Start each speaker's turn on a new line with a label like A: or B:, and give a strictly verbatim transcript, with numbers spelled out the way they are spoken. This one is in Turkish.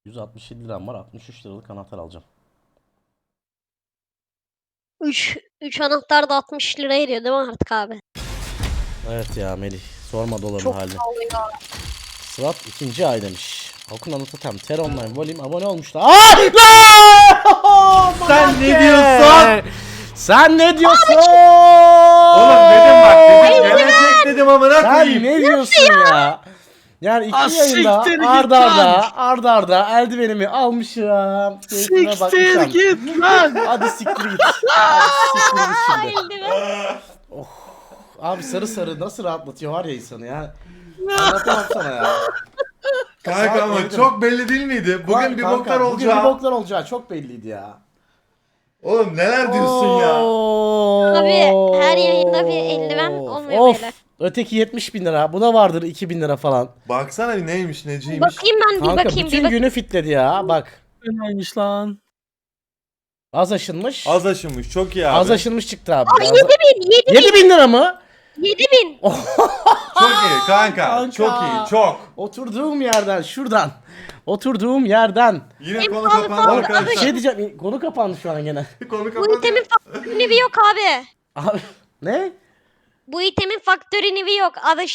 A: yüz altmış yedi liram var. altmış üç liralık anahtar alacağım.
B: üç üç anahtar da altmış lira ediyor değil mi artık abi?
A: Evet ya Melih. Sorma doların
B: Çok
A: halini.
B: pahalı ya.
A: Sırat ikinci ay demiş. Akun anlatan Ter Online Volume abone olmuşlar. Aa! Lan!
C: Sen ne diyorsun?
A: Sen ne diyorsun?
C: Oğlum dedim bak dedim gelecek dedim amına
A: Sen
C: koyayım.
A: ne diyorsun ya? Yani iki
D: Ah,
A: yayında
D: siktir git
A: arda
D: lan.
A: arda arda arda eldivenimi almışım. Keyfime
D: Siktir
A: bakmışım.
D: git lan.
A: Hadi siktir git. Hadi siktir git şimdi.
B: Eldiven.
A: Abi sarı sarı nasıl rahatlatıyor var ya insanı ya. Anlatamam sana ya.
C: Kanka ama
A: Saat
C: çok belli değil miydi? Bugün
A: Lan
C: bir
A: kanka,
C: boklar
A: Bugün
C: olacağı.
A: bir boklar olacağı çok belliydi ya.
C: Oğlum neler diyorsun ya?
A: Abi
B: her yayında bir eldiven olmuyor
A: of.
B: beyler.
A: Öteki yetmiş bin lira. Buna vardır iki bin lira falan.
C: Baksana bir neymiş neciymiş.
B: Bakayım ben bir
A: Kanka
B: bakayım bir
A: bütün
B: bakayım.
A: günü fitledi ya. Bak.
D: Neymiş lan?
A: Az aşınmış.
C: Az aşınmış çok iyi abi.
A: Az aşınmış çıktı abi.
B: Aa, yedi bin yedi bin
A: yedi bin lira mı?
B: yedi bin.
C: Çok iyi kanka.
A: Kanka.
C: Çok iyi çok.
A: Oturduğum yerden şuradan. Oturduğum yerden.
C: Yine konu
B: pahalı
C: kapandı
B: pahalı
A: Bir
C: arkadaşlar.
A: şey diyeceğim. Konu kapandı şu an gene.
C: Konu
B: Bu
C: kapandı.
B: itemin faktörü nevi yok abi.
A: Abi ne?
B: Bu itemin faktörü nevi yok. Abi